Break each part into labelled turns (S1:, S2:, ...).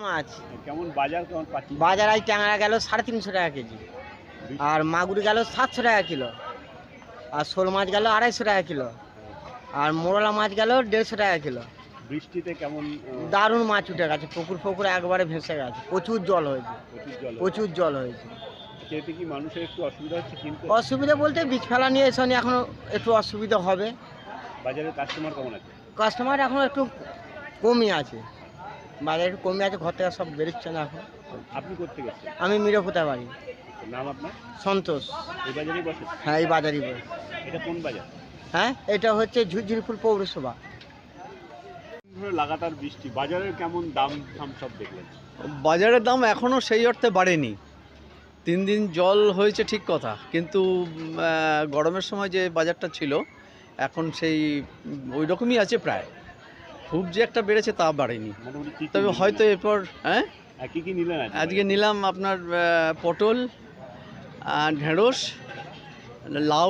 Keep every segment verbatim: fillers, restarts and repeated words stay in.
S1: মাছ
S2: কেমন বাজার কেমন পাচ্ছি?
S1: বাজার আজ ট্যাংরা গেল সাড়ে তিনশো টাকা কেজি, আর মাগুর গেল সাতশো টাকা কিলো, আর শোল মাছ গেল আড়াইশো টাকা কিলো, আর মোরলা মাছ গেল দেড়শো টাকা কিলো।
S2: বৃষ্টিতে কেমন আহ,
S1: দারুণ মাছ উঠে গেছে, পুকুর ফুকুর একবারে ভেসে গেছে, প্রচুর জল হয়েছে,
S2: প্রচুর জল
S1: প্রচুর জল হয়েছে।
S2: এতে কি মানুষের একটু অসুবিধা হচ্ছে কিনতে?
S1: অসুবিধা বলতে বীজ ফেলা নিয়ে এসে এখনো একটু অসুবিধা হবে।
S2: বাজারে কাস্টমার কেমন আছে?
S1: কাস্টমার এখন একটু কমই আছে, বাজারে একটু কমই আছে, ঘর থেকে সব বেরোচ্ছে না এখন।
S2: আপনি করতে গেছেন?
S1: আমি মিরপুতা বাড়ি।
S2: নাম আপনার?
S1: সন্তোষ।
S2: এই বাজারেই বসে?
S1: হ্যাঁ, এই বাজারই বসে।
S2: এটা কোন বাজার?
S1: হ্যাঁ, এটা হচ্ছে ঝুরঝুরিপুর পৌরসভা।
S2: ধরে লাগাতার বৃষ্টি, বাজারের কেমন দাম দাম সব দেখলেন?
S3: বাজারের দাম এখনও সেই অর্থে বাড়েনি। তিন দিন জল হয়েছে ঠিক কথা, কিন্তু উম, আহ, গরমের সময় যে বাজারটা ছিল এখন সেই ওই রকমই আছে প্রায়। খুব যে একটা বেড়েছে তা বাড়েনি,
S2: মোটামুটি কি কি
S3: তবে
S2: নিলেন?
S3: হয়তো এরপর হ্যাঁ
S2: হ্যাঁ, কি কি নিলেন আজকে?
S3: আজকে নিলাম আপনার আহ, পটল, আহ, ঢেঁড়স, লাউ,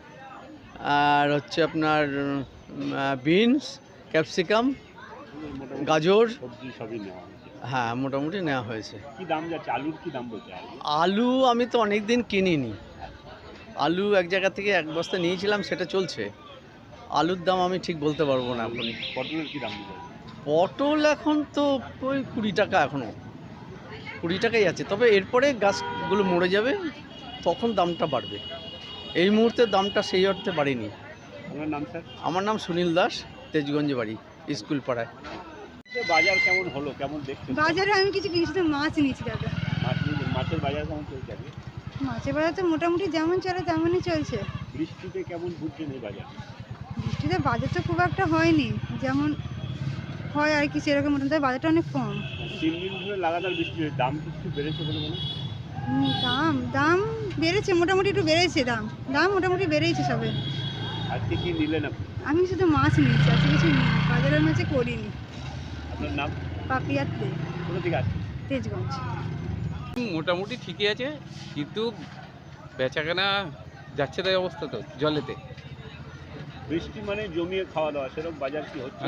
S3: আর হচ্ছে আপনার বিনস, ক্যাপসিকাম,
S2: মোটামুটি
S3: গাজর,
S2: সবজি সবই নেওয়া হয়েছে।
S3: হ্যাঁ মোটামুটি নেওয়া হয়েছে।
S2: কি দাম যাচ্ছে আলুর? কি দাম বলছে আলু?
S3: আলু আমি তো অনেক দিন কিনিনি, আলু এক জায়গা থেকে এক বস্তা নিয়েছিলাম, সেটা চলছে। আলুর দাম আমি ঠিক বলতে পারবো না এখন।
S2: পটলের কি দাম দিতে?
S3: পটল এখন তো ওই কুড়ি টাকা, এখনও কুড়ি টাকাই আছে, তবে এরপরে গাছগুলো মরে যাবে, তখন দামটা বাড়বে। এই মুহূর্তে দামটা সেই অর্থে বাড়েনি।
S2: আপনার নাম স্যার?
S3: আমার নাম সুনীল দাস, তেজগঞ্জে বাড়ি, স্কুল পাড়ায়।
S2: যে বাজার কেমন হলো, কেমন দেখছেন?
S4: বাজারে আমি কিছু কিনছি তো মাছ নিয়েছি দাদা।
S2: মাছ নিয়ে- মাছের বাজার কেমন চলছে আজকে?
S4: মাছের বাজার তো মোটামুটি যেমন চলে তেমনই চলছে।
S2: বৃষ্টিতে কেমন বুঝছেন এই বাজার?
S4: বৃষ্টিতে বাজার তো খুব একটা হয়নি, যেমন হয় আর কি সেরকম, মোটামুটি বাজারটা অনেক কম।
S2: তিন দিন ধরে লাগাতার বৃষ্টি হয়েছে, দাম কি একটু বেড়েছে বলে মনে হয়?
S4: হুম, দাম দাম বেড়েছে, মোটামুটি একটু বেড়েছে দাম দাম মোটামুটি বেড়েছে সবে।
S2: আজকে কি নিলেন আপনি?
S4: আমি শুধু মাছ নিয়েছি, আছে কিছু নিই, বাজারের মাছে করিনি।
S2: আপনার নাম?
S4: পাপিয়াতে,
S2: কোথা থেকে আসছেন?
S4: তেজগঞ্জ।
S5: মোটামুটি ঠিকই আছে, কিন্তু বেচাকেনা যাচ্ছে তাই অবস্থা তো জলেতে।
S2: বৃষ্টি মানে জমিয়ে খাওয়া দাওয়া, সেরকম বাজার কি হচ্ছে?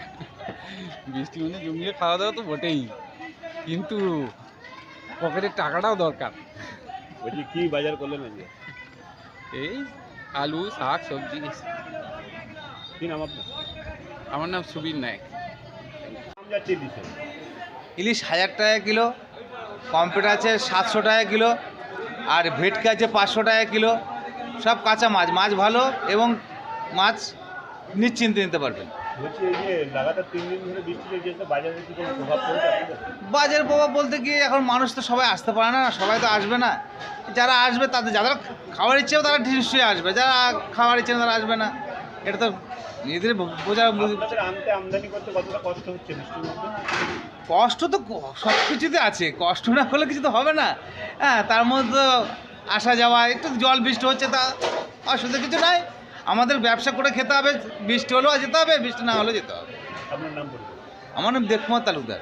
S5: বৃষ্টি মানে জমিয়ে খাওয়া দাওয়া তো বটেই, কিন্তু পকেটের টাকাটাও দরকার।
S2: বলছি কি বাজার করলেন আজকে?
S5: এই আলু, শাক, সবজি।
S2: কি নাম আপনার?
S5: আমার নাম সুবীর নায়ক।
S2: দাম যাচ্ছে দিচ্ছেন?
S6: ইলিশ হাজার টাকা কিলো, কম্পিউটার আছে সাতশো টাকা কিলো, আর ভেটকি আছে পাঁচশো টাকা কিলো। সব কাঁচা মাছ, মাছ ভালো এবং মাছ নিশ্চিন্তে নিতে পারবেন।
S2: বলছি এই যে লাগাতার তিন দিন ধরে বৃষ্টি হয়েছে, তো বাজারে কি কোনো প্রভাব পড়েছে আপনাদের?
S6: বাজার প্রভাব বলতে কি, এখন মানুষ তো সবাই আসতে পারে না, সবাই তো আসবে না। যারা আসবে তাদের, যারা খাওয়ার ইচ্ছেও তারা নিশ্চয়ই আসবে, যারা খাওয়ার ইচ্ছে না তারা আসবে না। এটা তো নিজেদের বোঝা।
S2: আপনাদের আনতে আমদানি করতে কতটা কষ্ট হচ্ছে বৃষ্টির মধ্যে?
S6: কষ্ট তো সব কিছুতে আছে, কষ্ট না হলে কিছু তো হবে না। হ্যাঁ, তার মধ্যে আসা যাওয়া, একটু জল বৃষ্টি হচ্ছে, তা অসুবিধা কিছু নাই। আমাদের ব্যবসা করে খেতে হবে, বৃষ্টি হলেও যেতে হবে, বৃষ্টি না হলেও যেতে হবে।
S2: আপনার নাম বলুন।
S6: আমার নাম দেখকুমার তালুকদার।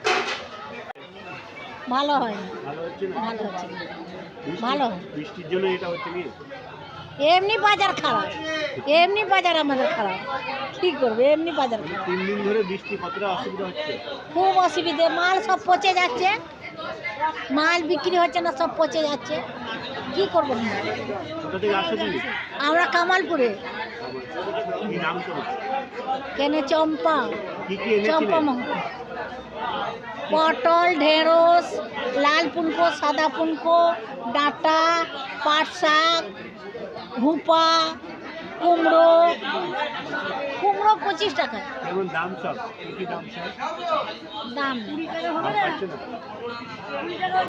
S7: ভালো হয় না,
S2: ভালো হচ্ছে না?
S7: ভালো হচ্ছে না।
S2: বৃষ্টি-
S7: ভালো।
S2: বৃষ্টির জন্য এটা হচ্ছে কি?
S7: এমনি বাজার খারাপ, এমনি বাজার আমাদের খারাপ, কি করবে, এমনি বাজার খারাপ।
S2: তিন দিন ধরে বৃষ্টি, কতটা অসুবিধা হচ্ছে?
S7: খুব অসুবিধে, মাল সব পচে যাচ্ছে, মাল বিক্রি হচ্ছে না, সব পচে যাচ্ছে, কি করবো আমরা?
S2: কোথা থেকে আসছে তুমি?
S7: আমরা কামালপুরে।
S2: কি নাম তোমার?
S7: কেনে চম্পা,
S2: কি কি
S7: চম্পা
S2: এনেছিলেন?
S7: মহল, পটল, ঢেঁড়স, লাল পুনকো, সাদা পুনকো, ডাঁটা, পাট শাক, ভুপা, কুমড়ো। কুমড়ো পঁচিশ টাকা
S2: কেমন দাম সব? কি কি দাম সব?
S7: দাম।
S2: দাম পাচ্ছে না?